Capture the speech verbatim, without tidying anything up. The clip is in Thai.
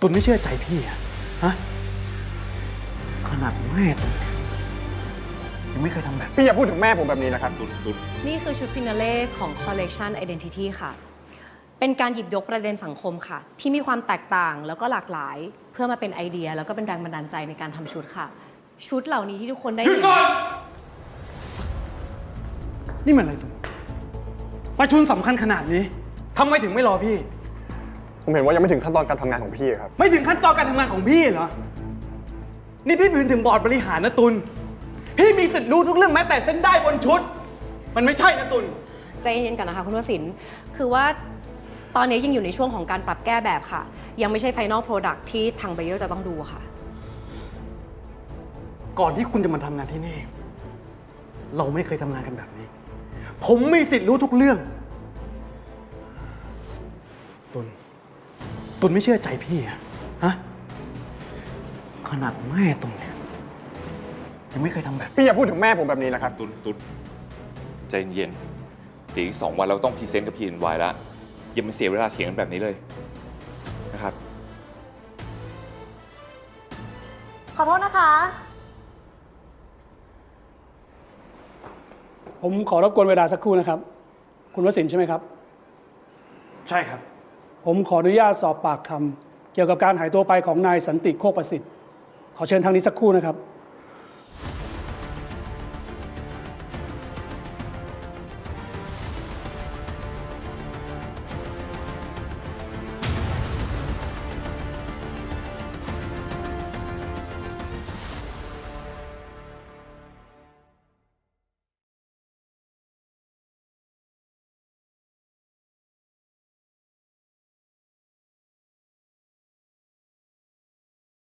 ตุลไม่เชื่อใจพี่อะฮะขนาดแม่ตุลยังไม่เคยทำแบบพี่อย่าพูดถึงแม่ผมแบบนี้นะครับตุลตุลนี่คือชุดฟินาเล่ของ Collection Identity ค่ะ เป็นการหยิบยกประเด็นสังคมค่ะ ที่มีความแตกต่างแล้วก็หลากหลาย เพื่อมาเป็นไอเดียแล้วก็เป็นแรงบันดาลใจในการทำชุดค่ะ ชุดเหล่านี้ที่ทุกคนได้เห็นนี่มันอะไรตุลประชุมสำคัญขนาดนี้ทำไมถึงไม่รอพี่ผมเห็นว่ายังไม่ถึงขั้นตอนการทำงานของพี่ครับไม่ถึงขั้นตอนการทำงานของพี่เหรอ นี่พี่เป็นถึงบอร์ดบริหารนะตุลพี่มีสิทธิ์รู้ทุกเรื่องแม้แต่เส้นได้บนชุด มันไม่ใช่นะตุลใจเย็นๆกันนะคะคุณวสินทร์คือว่าตอนนี้ยังอยู่ในช่วงของการปรับแก้แบบค่ะ ยังไม่ใช่ Final Product ที่ทางไบเออร์จะต้องดูค่ะก่อนที่คุณจะมาทำงานที่นี่ เราไม่เคยทำงานกันแบบนี้ ผมมีสิทธิ์รู้ทุกเรื่อง ตุลตุลไม่เชื่อใจพี่อะฮะขนาดแม่ตุลเนี่ยยังไม่เคยทำแบบพี่อย่าพูดถึงแม่ผมแบบนี้นะครับตุลตุลใจเย็นเดี๋ยวอีกสองวันเราต้องพรีเซนต์กับพีเอ็นวายแล้วอย่ามาเสียเวลาเถียงกันแบบนี้เลยนะครับขอโทษนะคะผมขอรบกวนเวลาสักครู่นะครับ คุณวสินทร์ใช่ไหมครับใช่ครับผมขออนุญาตสอบปากคำเกี่ยวกับการหายตัวไปของนายสันติโคกประสิทธิ์ขอเชิญทางนี้สักครู่นะครับ